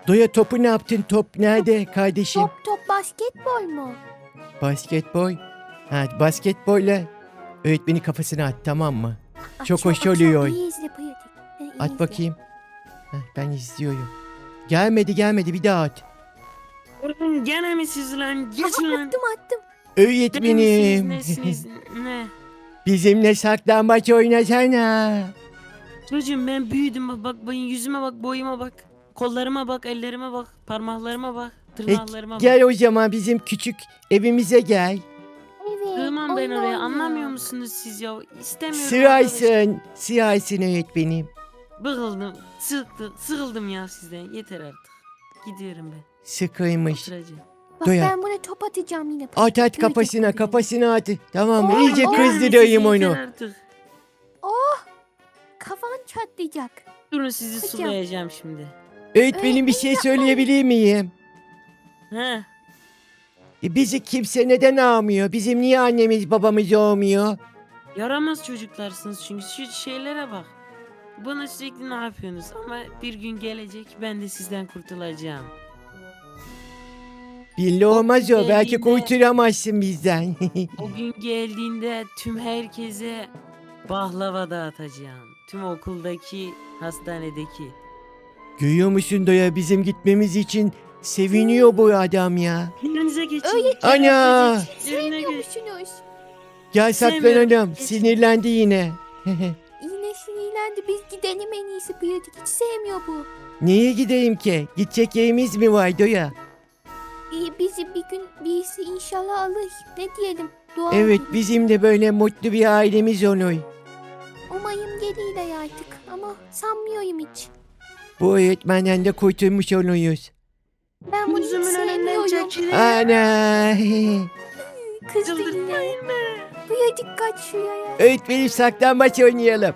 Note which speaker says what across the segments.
Speaker 1: Doya topu ne yaptın? Top nerede kardeşim?
Speaker 2: Top basketbol mu?
Speaker 1: Basketbol. Ha, basketbolla öğretmenin kafasına at, tamam mı? Çok
Speaker 2: Akşam,
Speaker 1: hoş
Speaker 2: akşam
Speaker 1: oluyor.
Speaker 2: iyi izle pratik. İyi
Speaker 1: At
Speaker 2: izle.
Speaker 1: bakayım. Heh, ben izliyorum. Gelmedi, bir daha at.
Speaker 3: Oğlum gene mi siz lan? Geç
Speaker 2: Aha,
Speaker 3: lan.
Speaker 2: attım.
Speaker 1: Öğretmenim.
Speaker 3: Nesiniz? Ne?
Speaker 1: Bizimle saklambaç oynasana.
Speaker 3: Çocuğum ben büyüdüm bak yüzüme bak, boyuma bak. Kollarıma bak, ellerime bak, parmaklarıma bak, tırnaklarıma bak.
Speaker 1: Gel o zaman bizim küçük evimize gel.
Speaker 2: Evet.
Speaker 3: Sığmam ben
Speaker 2: oyun
Speaker 3: oraya,
Speaker 2: oynayalım.
Speaker 3: anlamıyor musunuz siz ya? İstemiyorum arkadaş.
Speaker 1: Sığaysın öğretmenim.
Speaker 3: Bıkıldım, sıkıldım ya sizden. Yeter artık. Gidiyorum ben.
Speaker 1: Sıkıymış.
Speaker 3: Oturacağım.
Speaker 2: Bak
Speaker 1: Doya.
Speaker 2: ben buna top atacağım yine.
Speaker 1: At
Speaker 2: Pratik.
Speaker 1: kafasına at. Tamam mı?
Speaker 2: Oo,
Speaker 1: İyice
Speaker 2: oo.
Speaker 1: kızdırayım
Speaker 3: Yeter
Speaker 1: onu.
Speaker 3: artık.
Speaker 2: Kafan çatlayacak.
Speaker 3: Durun sizi
Speaker 2: Hocam.
Speaker 3: sulayacağım şimdi.
Speaker 1: Öğretmenim bir şey söyleyebilir miyim?
Speaker 3: He.
Speaker 1: Bizi kimse neden almıyor? Bizim niye annemiz babamız olmuyor?
Speaker 3: Yaramaz çocuklarsınız çünkü şu şeylere bak. Bana sürekli ne yapıyorsunuz ama bir gün gelecek ben de sizden kurtulacağım.
Speaker 1: Belli olmaz o. Belki
Speaker 3: geldiğinde-
Speaker 1: kurtulamazsın bizden.
Speaker 3: O gün geldiğinde tüm herkese baklava dağıtacağım. Tüm okuldaki, hastanedeki.
Speaker 1: Görüyor musun Doya, bizim gitmemiz için seviniyor bu adam ya.
Speaker 3: Yerinize geçin.
Speaker 2: Öyle-
Speaker 1: Ana!
Speaker 3: Yerine geç.
Speaker 2: Sevmiyormuşsunuz.
Speaker 1: Gel
Speaker 3: Sevmiyorum.
Speaker 1: saklanalım.
Speaker 3: Geç.
Speaker 1: Sinirlendi yine.
Speaker 2: Yine sinirlendi. Biz gidelim en iyisi pratik. Hiç sevmiyor bu.
Speaker 1: Niye gideyim ki? Gidecek yerimiz mi var Doya?
Speaker 2: Bizi bir gün birisi inşallah alır. Ne diyelim? Dua
Speaker 1: Evet,
Speaker 2: edelim.
Speaker 1: bizim de böyle mutlu bir ailemiz olur.
Speaker 2: Umayım gelir artık. Ama sanmıyorum hiç.
Speaker 1: Bu öğretmenden de kurtulmuş oluruz.
Speaker 2: Ben bunu hiç
Speaker 3: Gözümün önünden
Speaker 2: sevmiyorum.
Speaker 3: çekilin.
Speaker 1: Ana!
Speaker 2: Kızdı yine.
Speaker 3: Çıldırtmayın beni.
Speaker 2: Pratik kaç şuraya.
Speaker 1: Öğretmenim saklambaç oynayalım.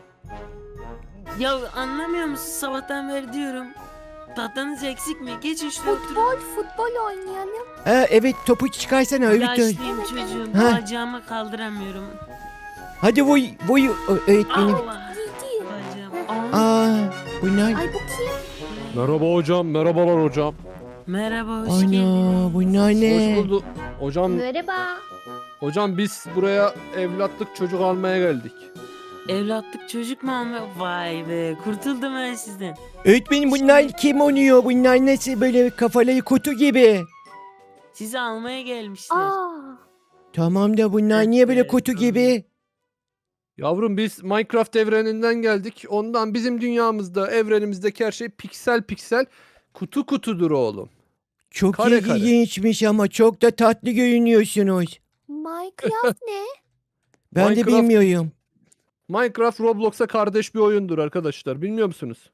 Speaker 3: Ya anlamıyor musun, sabahtan beri diyorum. Tatlınız eksik mi? Geçin şuraya oturun.
Speaker 2: Futbol oynayalım.
Speaker 1: Ha, evet, topu çıkarsana öğretmen.
Speaker 3: Yaşlıyım çocuğum.
Speaker 1: Ha.
Speaker 3: Bacağımı kaldıramıyorum.
Speaker 1: Hadi vuy öğretmenim.
Speaker 3: Allah.
Speaker 2: Gidi.
Speaker 3: Bacağım.
Speaker 1: Aa, bunlar.
Speaker 2: Ay bu kim?
Speaker 4: Merhaba hocam, merhabalar hocam.
Speaker 3: Merhaba, hoş geldin.
Speaker 1: Ana, bunlar ne?
Speaker 4: Hoş bulduk. Hocam,
Speaker 2: Merhaba.
Speaker 4: hocam biz buraya evlatlık çocuk almaya geldik.
Speaker 3: Evlatlık çocuk mu alma? Vay be, kurtuldum ben sizden.
Speaker 1: Öğretmenim bunlar kim oluyor? Bunlar nasıl böyle kafaları kutu gibi?
Speaker 3: Sizi almaya gelmişler.
Speaker 2: Aa.
Speaker 1: Tamam da bunlar niye böyle
Speaker 3: Evet,
Speaker 1: kutu
Speaker 3: tamam.
Speaker 1: gibi?
Speaker 4: Yavrum biz Minecraft evreninden geldik. Ondan bizim dünyamızda, evrenimizdeki her şey piksel piksel, kutu kutudur oğlum.
Speaker 1: Çok
Speaker 4: Kare kare.
Speaker 1: ilginçmiş ama çok da tatlı görünüyorsunuz.
Speaker 2: Minecraft ne?
Speaker 1: Ben de
Speaker 4: Minecraft-
Speaker 1: bilmiyorum.
Speaker 4: Minecraft Roblox'a kardeş bir oyundur arkadaşlar. Bilmiyor musunuz?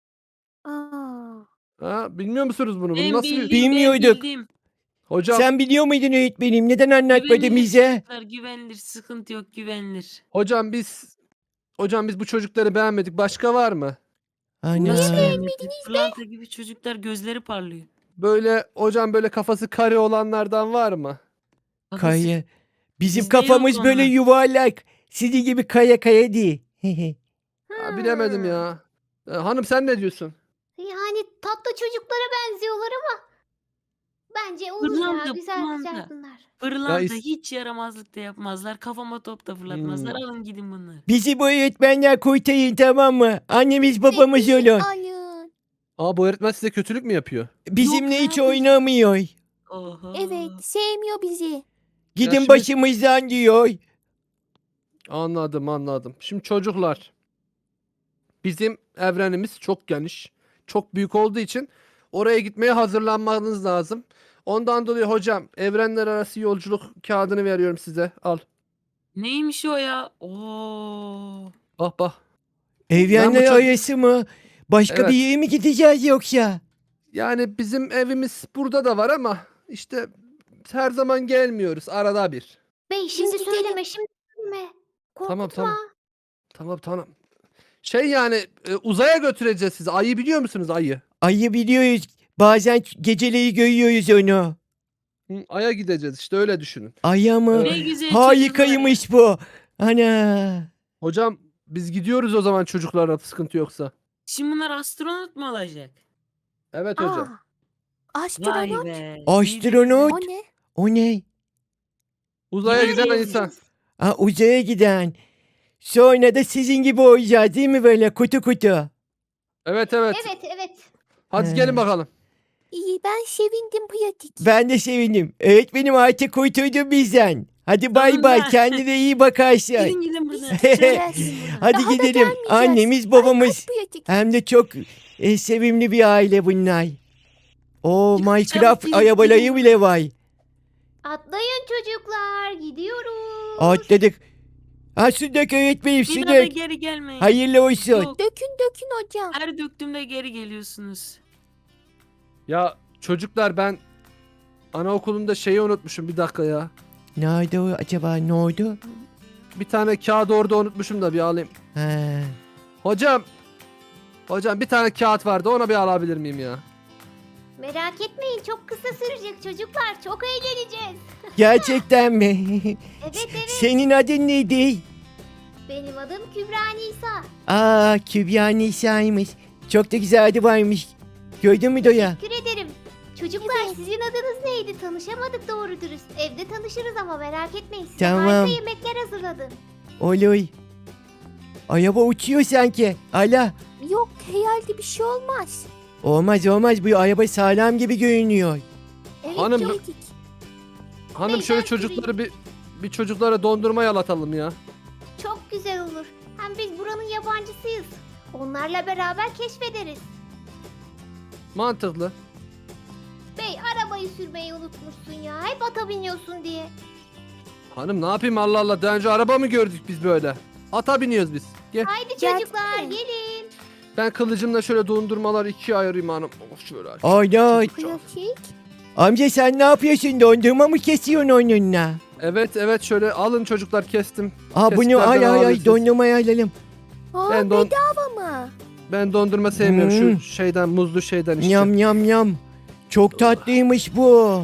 Speaker 2: Aa.
Speaker 4: Ha, bilmiyor musunuz bunu? Bunu
Speaker 3: Ben
Speaker 4: nasıl
Speaker 3: bildim,
Speaker 1: Bilmiyorduk.
Speaker 3: ben bildim.
Speaker 4: Hocam,
Speaker 1: Sen biliyor muydun öğretmenim? Neden anlatmadın
Speaker 3: Güvenilir
Speaker 1: bize?
Speaker 3: çocuklar, güvenilir, sıkıntı yok, güvenilir.
Speaker 4: hocam biz bu çocukları beğenmedik. Başka var mı?
Speaker 1: Ana.
Speaker 3: Pırlanta gibi çocuklar, gözleri parlıyor.
Speaker 4: Böyle hocam böyle kafası kare olanlardan var mı?
Speaker 3: Kafası-
Speaker 1: Kaya. Bizim
Speaker 3: Bizde yok
Speaker 1: kafamız böyle
Speaker 3: onlar.
Speaker 1: yuvarlak. Sizin gibi kaya değil.
Speaker 4: Ha, bilemedim ya. Hanım sen ne diyorsun?
Speaker 5: Yani tatlı çocuklara benziyorlar ama bence olur
Speaker 3: Pırlanta,
Speaker 5: ya güzel
Speaker 3: pırlanta.
Speaker 5: güzel bunlar.
Speaker 3: Pırlanta
Speaker 4: Ya is-
Speaker 3: hiç yaramazlık da yapmazlar. Kafama top da fırlatmazlar. Alın gidin bunlar.
Speaker 1: Bizi bu öğretmenler kurtarın, tamam mı? Annemiz babamız
Speaker 2: Bizi
Speaker 1: olun.
Speaker 2: alın.
Speaker 4: Aa, bu öğretmen size kötülük mü yapıyor?
Speaker 1: Bizimle
Speaker 3: Yok
Speaker 1: hiç
Speaker 3: abi.
Speaker 1: oynamıyor.
Speaker 3: Oho.
Speaker 2: Evet sevmiyor bizi.
Speaker 1: Gidin
Speaker 4: şimdi-
Speaker 1: başımızdan diyor.
Speaker 4: Anladım. Şimdi çocuklar, bizim evrenimiz çok geniş, çok büyük olduğu için oraya gitmeye hazırlanmanız lazım. Ondan dolayı hocam evrenler arası yolculuk kağıdını veriyorum size. Al.
Speaker 3: Neymiş o ya? Oo.
Speaker 4: Bak.
Speaker 1: Evrenler
Speaker 4: çocuk-
Speaker 1: arası mı? Başka
Speaker 4: Evet.
Speaker 1: bir yere mi gideceğiz yoksa?
Speaker 4: Yani bizim evimiz burada da var ama işte her zaman gelmiyoruz, arada bir.
Speaker 5: Bey şimdi
Speaker 2: gidelim.
Speaker 5: söyleme şimdi söyleme. Korkutma.
Speaker 4: Tamam. Şey yani uzaya götüreceğiz sizi. Ayı biliyor musunuz, ayı?
Speaker 1: Ayı biliyoruz. Bazen geceleri görüyoruz onu.
Speaker 4: Hı, Ay'a gideceğiz işte, öyle düşünün.
Speaker 1: Aya mı?
Speaker 3: Ne güzel çocuklar ya.
Speaker 1: Harikaymış bu. Ana.
Speaker 4: Hocam biz gidiyoruz o zaman, çocuklara sıkıntı yoksa.
Speaker 3: Şimdi bunlar astronot mu olacak?
Speaker 4: Evet hocam.
Speaker 3: Vay
Speaker 2: Astronot.
Speaker 3: be.
Speaker 1: Astronot.
Speaker 2: O ne?
Speaker 1: O ne?
Speaker 4: Uzaya giden
Speaker 3: Gidiyoruz.
Speaker 4: insan.
Speaker 1: Aa, uzaya giden. Sonra da sizin gibi olacağız değil mi böyle kutu kutu?
Speaker 4: Evet evet.
Speaker 5: Evet evet.
Speaker 4: Hadi
Speaker 1: He.
Speaker 4: gelin bakalım.
Speaker 2: İyi ben sevindim pratik.
Speaker 1: Ben de sevindim. Öğretmenim artık kurtuldun bizden. Hadi bay bay
Speaker 3: Sonunda.
Speaker 1: kendine iyi bakarsın.
Speaker 3: Gidin gidin buradan.
Speaker 2: Görüşürüz.
Speaker 1: Hadi
Speaker 2: Daha da
Speaker 1: gidelim.
Speaker 2: gelmeyeceğiz.
Speaker 1: Annemiz
Speaker 2: Ay,
Speaker 1: babamız.
Speaker 2: kaç pratik.
Speaker 1: Hem de çok sevimli bir aile bunlar. O
Speaker 3: Çabuk
Speaker 1: Minecraft
Speaker 3: gidin,
Speaker 1: arabaları
Speaker 3: gidin.
Speaker 1: bile var.
Speaker 5: Atlayın çocuklar. Gidiyoruz.
Speaker 1: Atladık. Ha su dök öğretmenim su
Speaker 3: Bir daha da
Speaker 1: dök.
Speaker 3: geri gelmeyin.
Speaker 1: Hayırlı olsun.
Speaker 3: Yok.
Speaker 2: Dökün hocam.
Speaker 3: Her döktüğümde geri geliyorsunuz.
Speaker 4: Ya çocuklar ben anaokulunda şeyi unutmuşum bir dakika ya.
Speaker 1: Nerede o acaba ne oldu?
Speaker 4: Bir tane kağıt orada unutmuşum da bir alayım.
Speaker 1: Ha.
Speaker 4: Hocam. Hocam bir tane kağıt vardı onu bir alabilir miyim ya?
Speaker 5: Merak etmeyin çok kısa sürecek çocuklar. Çok eğleneceğiz.
Speaker 1: Gerçekten mi?
Speaker 5: Evet evet.
Speaker 1: Senin adın neydi?
Speaker 5: Benim adım Kübra Nisa.
Speaker 1: Aa Kübra Nisa'ymış. Çok da güzel adı varmış. Gördün mü Doya?
Speaker 5: Teşekkür ederim. Çocuklar sizin adınız neydi? Tanışamadık doğru dürüst. Evde tanışırız ama merak etmeyin. Size
Speaker 1: Tamam.
Speaker 5: harika yemekler hazırladım.
Speaker 1: Olur. Araba uçuyor sanki. Ala.
Speaker 2: Yok herhalde bir şey olmaz.
Speaker 1: Olmaz olmaz bu araba sağlam gibi görünüyor.
Speaker 2: Evet
Speaker 4: Hanım-
Speaker 2: pratik.
Speaker 4: Hanım
Speaker 5: Ben
Speaker 4: şöyle
Speaker 5: süreyim.
Speaker 4: çocukları bir çocuklara dondurma yalatalım ya.
Speaker 5: Çok güzel olur. Hem biz buranın yabancısıyız. Onlarla beraber keşfederiz.
Speaker 4: Mantıklı.
Speaker 5: Bey arabayı sürmeyi unutmuşsun ya. Hep ata biniyorsun diye.
Speaker 4: Hanım ne yapayım Allah Allah daha önce araba mı gördük biz böyle? Ata biniyoruz biz. Gel.
Speaker 5: Haydi
Speaker 2: Geldik
Speaker 5: çocuklar
Speaker 2: mi?
Speaker 5: gelin.
Speaker 4: Ben kılıcımla şöyle dondurmaları ikiye ayırayım hanım. Oh, şöyle aç.
Speaker 1: Ana.
Speaker 2: Pratik.
Speaker 1: Amca sen ne yapıyorsun? Dondurma mı kesiyorsun onunla?
Speaker 4: Evet şöyle alın çocuklar kestim.
Speaker 1: Aa bunu
Speaker 4: Kesiklerden
Speaker 1: ay
Speaker 4: alabilirsiniz.
Speaker 1: dondurmayı alalım.
Speaker 2: Aa
Speaker 4: Ben don-
Speaker 2: bedava mı?
Speaker 4: Ben dondurma sevmiyorum
Speaker 1: Hmm.
Speaker 4: şu şeyden muzlu şeyden işte.
Speaker 1: Yam yam yam. Çok tatlıymış bu.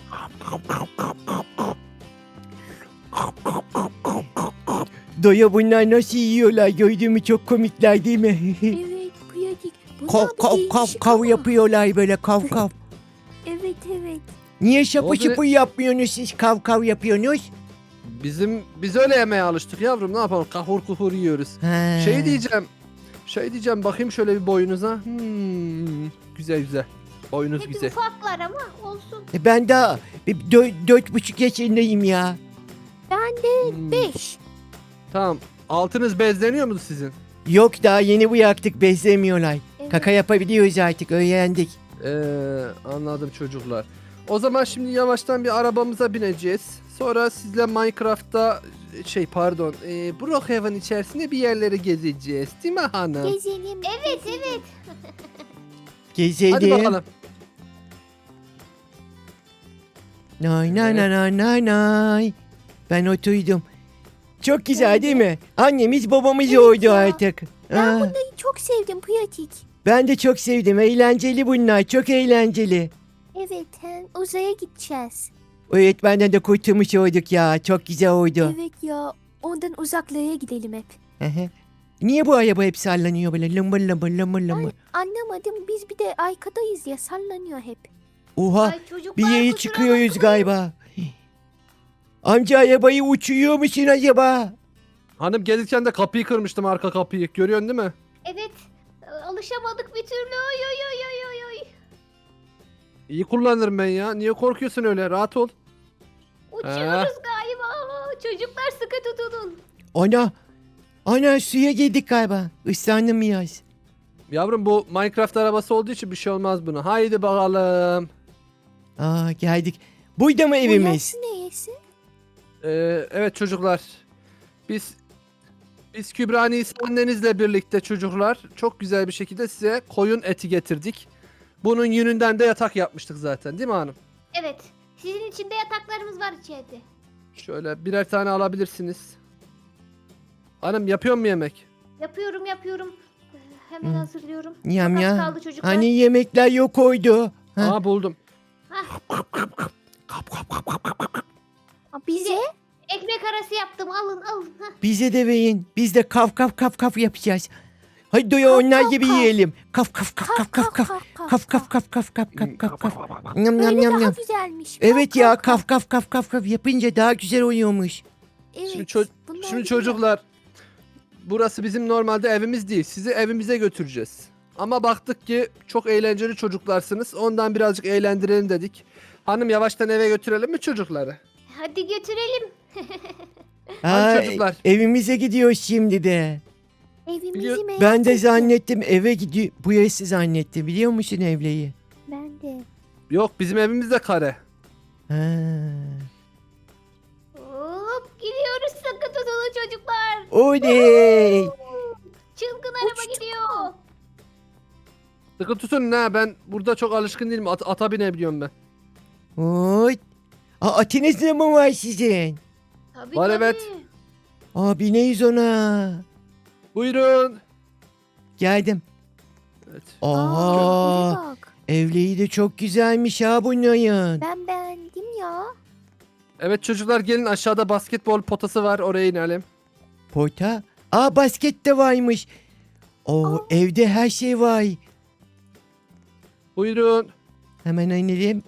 Speaker 1: Doya bunlar nasıl yiyorlar gördün mü çok komikler değil mi?
Speaker 2: Evet pratik. Bunlar
Speaker 1: kav
Speaker 2: bir
Speaker 1: kav kav
Speaker 2: değişik
Speaker 1: kav
Speaker 2: ama.
Speaker 1: yapıyorlar böyle kav kav.
Speaker 2: Evet evet.
Speaker 1: Niye şapı
Speaker 4: Oldu ne-
Speaker 1: şıpı yapmıyorsunuz siz kav kav yapıyorsunuz?
Speaker 4: Biz öyle yemeye alıştık yavrum ne yapalım kahur kuhur yiyoruz.
Speaker 1: Ha.
Speaker 4: Şey diyeceğim bakayım şöyle bir boyunuza. Güzel. Boyunuz
Speaker 5: Hep
Speaker 4: güzel.
Speaker 5: ufaklar ama olsun.
Speaker 1: Ben daha 4,5 yaşındayım ya.
Speaker 4: Hmm,
Speaker 2: 5.
Speaker 4: Tamam. Altınız bezleniyor mu sizin?
Speaker 1: Yok daha yeni bıraktık bezlemiyorlar.
Speaker 2: Evet.
Speaker 1: Kaka yapabiliyoruz artık öğrendik.
Speaker 4: Anladım çocuklar. O zaman şimdi yavaştan bir arabamıza bineceğiz. Sonra sizle Minecraft'ta Brookhaven içerisinde bir yerleri gezeceğiz. Değil mi hanım?
Speaker 2: Gezelim.
Speaker 5: Evet evet.
Speaker 1: Gezelim.
Speaker 4: Hadi bakalım.
Speaker 1: Nay nay nay nay nay nay. Ben oturdum. Çok güzel değil mi? Annemiz babamız
Speaker 2: Evet
Speaker 1: oldu
Speaker 2: ya.
Speaker 1: artık.
Speaker 2: Ben
Speaker 1: Aa,
Speaker 2: bunları çok sevdim pratik.
Speaker 1: ben de çok sevdim. Eğlenceli bunlar. Çok eğlenceli.
Speaker 2: Evet hem uzaya gideceğiz.
Speaker 1: Öğretmenden de kurtulmuş olduk ya. Çok güzel oldu.
Speaker 2: Evet ya ondan uzaklara gidelim hep.
Speaker 1: Hı hı. Niye bu araba hep sallanıyor böyle lımbır lımbır lımbır lımbır?
Speaker 2: Anlamadım biz bir de arkadayız ya sallanıyor hep.
Speaker 1: Oha
Speaker 5: Ay çocuklar
Speaker 1: bir yere
Speaker 5: kusura
Speaker 1: çıkıyoruz
Speaker 5: bakmayın.
Speaker 1: galiba. Amca arabayı uçuyor musun acaba?
Speaker 4: Hanım gelirken de kapıyı kırmıştım arka kapıyı. Görüyorsun değil mi?
Speaker 5: Evet. Alışamadık bir türlü. Oy oy oy oy oy oy.
Speaker 4: İyi kullanırım ben ya. Niye korkuyorsun öyle? Rahat ol.
Speaker 5: Uçuyoruz galiba. Çocuklar sıkı tutunun.
Speaker 1: Ana suya girdik galiba. Islandım biraz.
Speaker 4: Yavrum bu Minecraft arabası olduğu için bir şey olmaz buna. Haydi bakalım.
Speaker 1: Aa geldik. Burada mı evimiz?
Speaker 2: Burası neresi?
Speaker 4: Evet çocuklar. Biz Kübra Nisa annenizle birlikte çocuklar çok güzel bir şekilde size koyun eti getirdik. Bunun yününden de yatak yapmıştık zaten değil mi hanım?
Speaker 5: Evet. Sizin için de yataklarımız var içeride.
Speaker 4: Şöyle birer tane alabilirsiniz. Hanım yapıyor mu yemek?
Speaker 5: Yapıyorum. Hemen
Speaker 1: Hı.
Speaker 5: hazırlıyorum.
Speaker 1: Yam
Speaker 5: Çok az
Speaker 1: ya.
Speaker 5: kaldı çocuklar.
Speaker 1: Hani yemekler yok oydu. Ha.
Speaker 4: Aa buldum.
Speaker 2: Aa, bize?
Speaker 5: Ekmek arası yaptım. Alın. Hah.
Speaker 1: Bize de verin. Biz de kav kav kav kav yapacağız. Hadi Doya
Speaker 2: Kaf,
Speaker 1: onlar
Speaker 2: kaf,
Speaker 1: gibi
Speaker 2: kaf.
Speaker 1: yiyelim. Kaf kaf kaf kaf kaf kaf. Kaf kaf kaf kaf kaf kaf kaf kaf. Nyam nyam
Speaker 2: Böyle
Speaker 1: nyam
Speaker 2: daha
Speaker 1: nyam.
Speaker 2: güzelmiş.
Speaker 1: Evet ya kaf kaf kaf kaf kaf yapınca daha güzel oluyormuş.
Speaker 2: Evet. bunlar
Speaker 4: Şimdi
Speaker 2: güzel.
Speaker 4: çocuklar, burası bizim normalde evimiz değil. Sizi evimize götüreceğiz. Ama baktık ki çok eğlenceli çocuklarsınız. Ondan birazcık eğlendirelim dedik. Hanım yavaştan eve götürelim mi çocukları?
Speaker 5: Hadi götürelim.
Speaker 1: Aa,
Speaker 4: çocuklar.
Speaker 1: evimize gidiyoruz şimdi de.
Speaker 2: Evimizi merak
Speaker 1: Ben de
Speaker 2: ettim.
Speaker 1: zannettim eve gidiyor. Bu yası zannettim biliyor musun evleyi?
Speaker 2: Ben de.
Speaker 4: Yok, bizim evimiz de kare.
Speaker 1: Ha.
Speaker 5: Hop gidiyoruz, sakın tutulun çocuklar.
Speaker 1: Oley.
Speaker 5: Çılgın araba gidiyor.
Speaker 4: Sıkı tutun ne, ben burada çok alışkın değilim. Ata binebiliyorum ben.
Speaker 1: Oy. Atınız da mı var sizin?
Speaker 5: Tabii,
Speaker 4: Var,
Speaker 5: tabii.
Speaker 4: evet.
Speaker 1: Bineyiz ona.
Speaker 4: Buyurun.
Speaker 1: Geldim.
Speaker 4: Evet.
Speaker 1: Aa,
Speaker 2: buraya bak.
Speaker 1: evleyi de çok güzelmiş ha bunların.
Speaker 2: Ben beğendim ya.
Speaker 4: Evet çocuklar, gelin, aşağıda basketbol potası var, oraya inelim.
Speaker 1: Pota. Basket de varmış. Evde her şey var.
Speaker 4: Buyurun.
Speaker 1: Hemen inelim.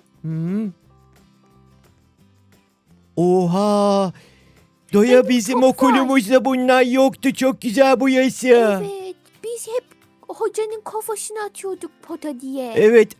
Speaker 1: Oha. Doya
Speaker 2: Benim
Speaker 1: bizim
Speaker 2: çok var.
Speaker 1: okulumuzda bunlar yoktu. Çok güzel bu yası.
Speaker 2: Evet. Biz hep hocanın kafasına atıyorduk pota diye.
Speaker 1: Evet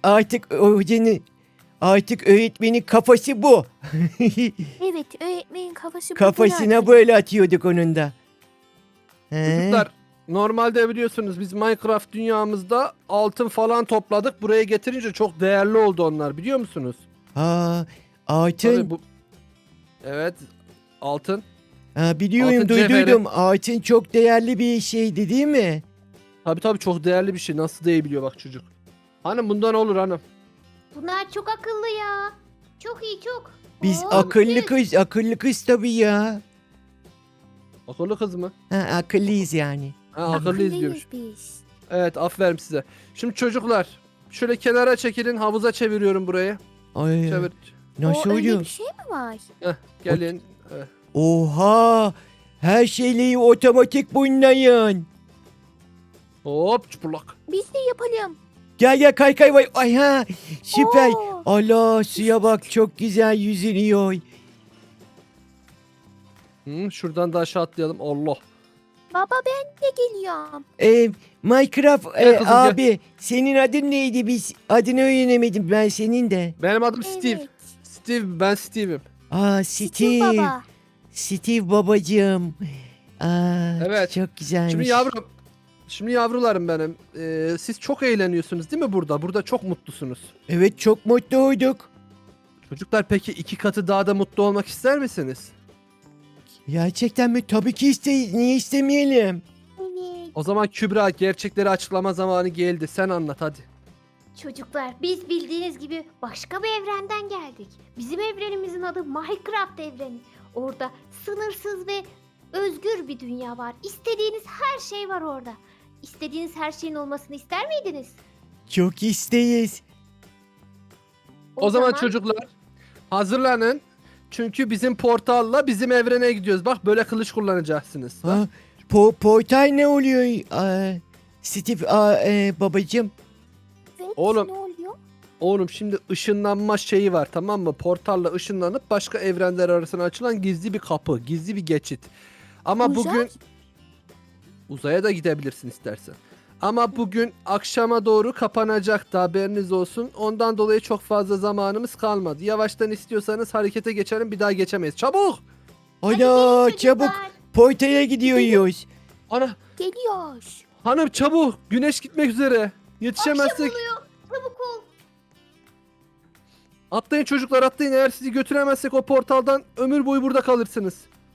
Speaker 1: artık öğretmenin kafası bu.
Speaker 2: Evet, öğretmenin kafası bu
Speaker 1: Kafasına
Speaker 2: kadar.
Speaker 1: böyle atıyorduk onun da. He?
Speaker 4: Çocuklar, normalde biliyorsunuz biz Minecraft dünyamızda altın falan topladık. Buraya getirince çok değerli oldu onlar, biliyor musunuz?
Speaker 1: Altın.
Speaker 4: Tabii bu... Evet, altın.
Speaker 1: Biliyorum
Speaker 4: altın
Speaker 1: duydum. Altın çok değerli bir şeydi değil mi?
Speaker 4: Tabii çok değerli bir şey. Nasıl değebiliyor bak çocuk. Hanım bundan olur hanım.
Speaker 5: Bunlar çok akıllı ya. Çok iyi, çok.
Speaker 1: Biz
Speaker 5: Hop,
Speaker 1: akıllı
Speaker 5: düz.
Speaker 1: kız tabii ya.
Speaker 4: Akıllı kız mı?
Speaker 1: Akıllıyız yani.
Speaker 4: Ha, akıllıyız diyormuş.
Speaker 2: biz.
Speaker 4: Evet, aferin size. Şimdi çocuklar, şöyle kenara çekilin, havuza çeviriyorum burayı.
Speaker 1: Ay,
Speaker 4: Çevir.
Speaker 1: nasıl
Speaker 2: Öyle
Speaker 1: oluyor?
Speaker 2: bir şey mi var?
Speaker 4: Gelin. Evet.
Speaker 1: Oha! Her şeyleri otomatik bunların.
Speaker 4: Hop çıplak.
Speaker 2: Biz de yapalım.
Speaker 1: Gel kay vay. Ay ha! Süper.
Speaker 2: Oo.
Speaker 1: Allah suya bak çok güzel yüzülüyor.
Speaker 4: Şuradan da aşağı atlayalım. Allah.
Speaker 2: Baba ben de geliyorum.
Speaker 1: Minecraft
Speaker 4: Gel kızım, gel.
Speaker 1: abi senin adın neydi? Biz adını öğrenemedim ben senin de.
Speaker 4: Benim adım Steve.
Speaker 2: Evet.
Speaker 4: Steve, ben Steve'im.
Speaker 2: Steve
Speaker 1: Steve.
Speaker 2: baba.
Speaker 1: Steve babacığım.
Speaker 4: Evet.
Speaker 1: Çok güzelmiş.
Speaker 4: Şimdi yavrularım benim. Siz çok eğleniyorsunuz değil mi burada? Burada çok mutlusunuz.
Speaker 1: Evet çok mutlu olduk.
Speaker 4: Çocuklar, peki 2 katı daha da mutlu olmak ister misiniz?
Speaker 1: Gerçekten mi? Tabii ki isteyiz. Niye istemeyelim?
Speaker 2: Evet.
Speaker 4: O zaman Kübra, gerçekleri açıklama zamanı geldi. Sen anlat hadi.
Speaker 5: Çocuklar, biz bildiğiniz gibi başka bir evrenden geldik. Bizim evrenimizin adı Minecraft evreni. Orada sınırsız ve özgür bir dünya var. İstediğiniz her şey var orada. İstediğiniz her şeyin olmasını ister miydiniz?
Speaker 1: Çok isteyiz.
Speaker 4: O zaman çocuklar hazırlanın. Çünkü bizim portalla bizim evrene gidiyoruz. Bak, böyle kılıç kullanacaksınız. Bak.
Speaker 1: Portal ne oluyor? Steve babacığım.
Speaker 2: Evet,
Speaker 4: Oğlum.
Speaker 2: ne oluyor?
Speaker 4: Oğlum, şimdi ışınlanma şeyi var, tamam mı? Portalla ışınlanıp başka evrenler arasına açılan gizli bir kapı, gizli bir geçit. Ama
Speaker 2: Uzay?
Speaker 4: bugün uzaya da gidebilirsin istersen. Ama bugün akşama doğru kapanacak da, haberiniz olsun. Ondan dolayı çok fazla zamanımız kalmadı. Yavaştan istiyorsanız harekete geçelim, bir daha geçemeyiz. Çabuk!
Speaker 5: Hadi
Speaker 1: Ana
Speaker 5: gelin
Speaker 1: çabuk
Speaker 5: çocuklar.
Speaker 1: portaya gidiyoruz.
Speaker 4: Ana,
Speaker 2: Geliyoruz.
Speaker 4: hanım çabuk! Güneş gitmek üzere. Yetişemezsek.
Speaker 5: Akşam oluyor. Çabuk ol.
Speaker 4: Atlayın çocuklar, atlayın. Eğer sizi götüremezsek o portaldan ömür boyu burada kalırsınız.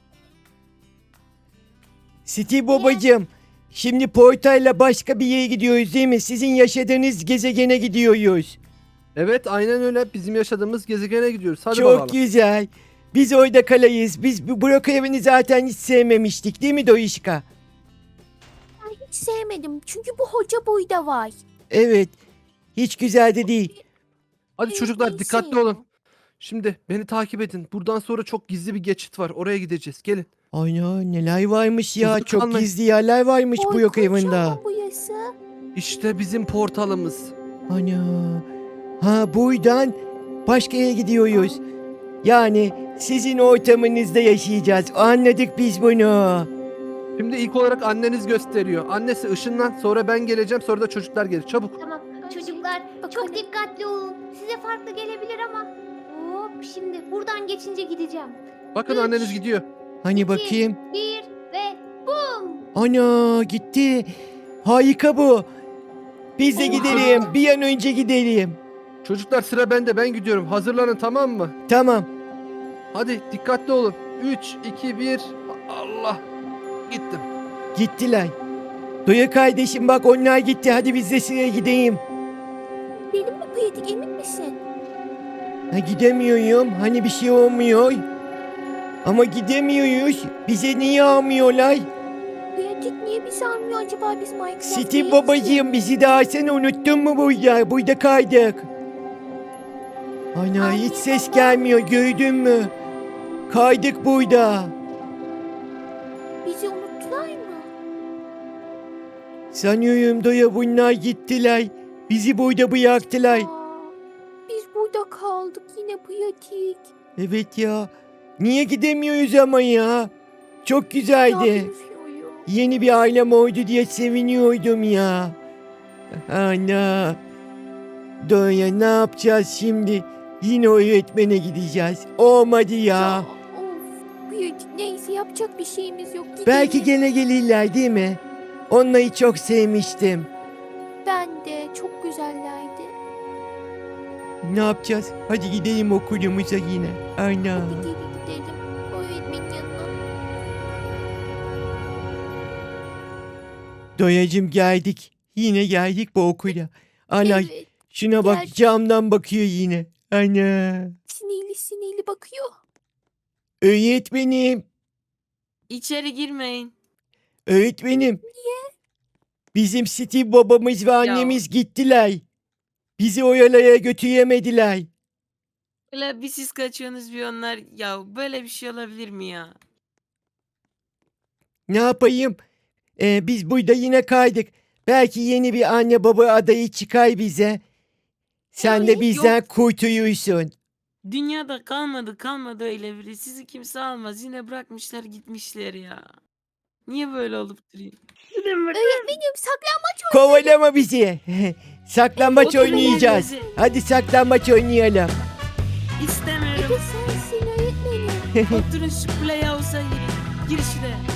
Speaker 1: Steve babacığım. Şimdi portayla başka bir yere gidiyoruz değil mi? Sizin yaşadığınız gezegene gidiyoruz.
Speaker 4: Evet, aynen öyle. Bizim yaşadığımız gezegene gidiyoruz. Hadi
Speaker 1: Çok
Speaker 4: bakalım.
Speaker 1: güzel. Biz orada kalayız. Biz bu Burak evini zaten hiç sevmemiştik değil mi Doyuşka?
Speaker 2: Ben hiç sevmedim. Çünkü bu hoca boyda var.
Speaker 1: Evet. Hiç güzel de değil.
Speaker 4: Hadi çocuklar,
Speaker 2: Neyse
Speaker 4: dikkatli
Speaker 2: ya.
Speaker 4: olun. Şimdi beni takip edin. Buradan sonra çok gizli bir geçit var. Oraya gideceğiz. Gelin.
Speaker 1: Ana neler varmış ya.
Speaker 4: Huzur
Speaker 1: Çok
Speaker 4: kalmayın.
Speaker 1: gizli yerler varmış bu yok
Speaker 2: Korkunç
Speaker 1: evinde.
Speaker 2: ama burası.
Speaker 4: İşte bizim portalımız.
Speaker 1: Ana. Ha buradan başka yere gidiyoruz. Yani sizin ortamınızda yaşayacağız. Anladık biz bunu.
Speaker 4: Şimdi ilk olarak anneniz gösteriyor. Annesi ışınlan, sonra ben geleceğim, sonra da çocuklar gelir. Çabuk.
Speaker 5: Tamam çocuklar çok dikkatli olun. Size farklı gelebilir ama. Hop şimdi buradan geçince gideceğim.
Speaker 4: Bakın
Speaker 5: Üç.
Speaker 4: anneniz gidiyor.
Speaker 1: Hani bakayım.
Speaker 5: 1 ve bum.
Speaker 1: Ana gitti. Harika bu. Biz de
Speaker 2: Oha.
Speaker 1: gidelim. Bir an önce gidelim.
Speaker 4: Çocuklar sıra bende, ben gidiyorum. Hazırlanın, tamam mı?
Speaker 1: Tamam.
Speaker 4: Hadi dikkatli olun. 3, 2, 1. Allah. Gittim.
Speaker 1: Gittiler. Doya kardeşim bak onlar gitti. Hadi biz de sıraya gideyim.
Speaker 2: Benim mi pratik emin misin?
Speaker 1: Ha, gidemiyorum. Hani bir şey olmuyor. Ama gidemiyoruz. Bize niye almıyorlar?
Speaker 2: Pratik niye bizi almıyor acaba biz Minecraft
Speaker 1: Steve
Speaker 2: değiliz ki?
Speaker 1: babacığım bizi daha sen unuttun mu burada? Burada kaydık. Ana
Speaker 2: Anne,
Speaker 1: hiç ses
Speaker 2: baba.
Speaker 1: gelmiyor gördün mü? Kaydık burada.
Speaker 2: Bizi unuttular mı?
Speaker 1: Sanıyorum Doya bunlar gittiler. Bizi burada bıraktılar.
Speaker 2: Aa, biz burada kaldık yine pratik.
Speaker 1: Evet ya. Niye gidemiyoruz ama ya? Çok
Speaker 2: Ya
Speaker 1: güzeldi.
Speaker 2: bilmiyorum.
Speaker 1: Yeni bir ailem oldu diye seviniyordum ya. Ana. Doya ne yapacağız şimdi? Yine öğretmene gideceğiz. Olmadı ya.
Speaker 2: Of pratik neyse yapacak bir şeyimiz yok. Gidelim.
Speaker 1: Belki gene gelirler değil mi? Onları çok sevmiştim.
Speaker 2: Ben de çok güzellerdi.
Speaker 1: Ne yapacağız? Hadi gidelim okulumuza yine. Ana.
Speaker 2: Hadi geri gidelim. Öğretmenin yanına.
Speaker 1: Doyacım geldik. Yine geldik bu okula. Ana
Speaker 2: Evet.
Speaker 1: şuna bak
Speaker 2: geldik.
Speaker 1: camdan bakıyor yine. Ana.
Speaker 2: Sinirli sinirli bakıyor.
Speaker 1: Öğretmenim.
Speaker 3: İçeri girmeyin.
Speaker 1: Öğretmenim. Bizim Steve babamız ve annemiz gittiler. Bizi oyalaya götüremediler.
Speaker 3: Öyle bir siz kaçıyorsunuz bir onlar. Ya böyle bir şey olabilir mi ya?
Speaker 1: Ne yapayım? Biz burada yine kaydık. Belki yeni bir anne baba adayı çıkar bize. Sen de
Speaker 3: Yok.
Speaker 1: bizden kurtulursun.
Speaker 3: Dünyada kalmadı öyle biri. Sizi kimse almaz. Yine bırakmışlar gitmişler ya. Niye böyle olup duruyor?
Speaker 2: Öğretmenim saklanmaç
Speaker 1: Kovalama bizi. Saklambaç
Speaker 3: Oturun
Speaker 1: oynayacağız.
Speaker 3: yerinize.
Speaker 1: Hadi saklambaç oynayalım.
Speaker 2: Evet
Speaker 3: İstemiyorum.
Speaker 2: sensin öğretmenim.
Speaker 3: Oturun şu playhouse'a girin. Gir şuraya.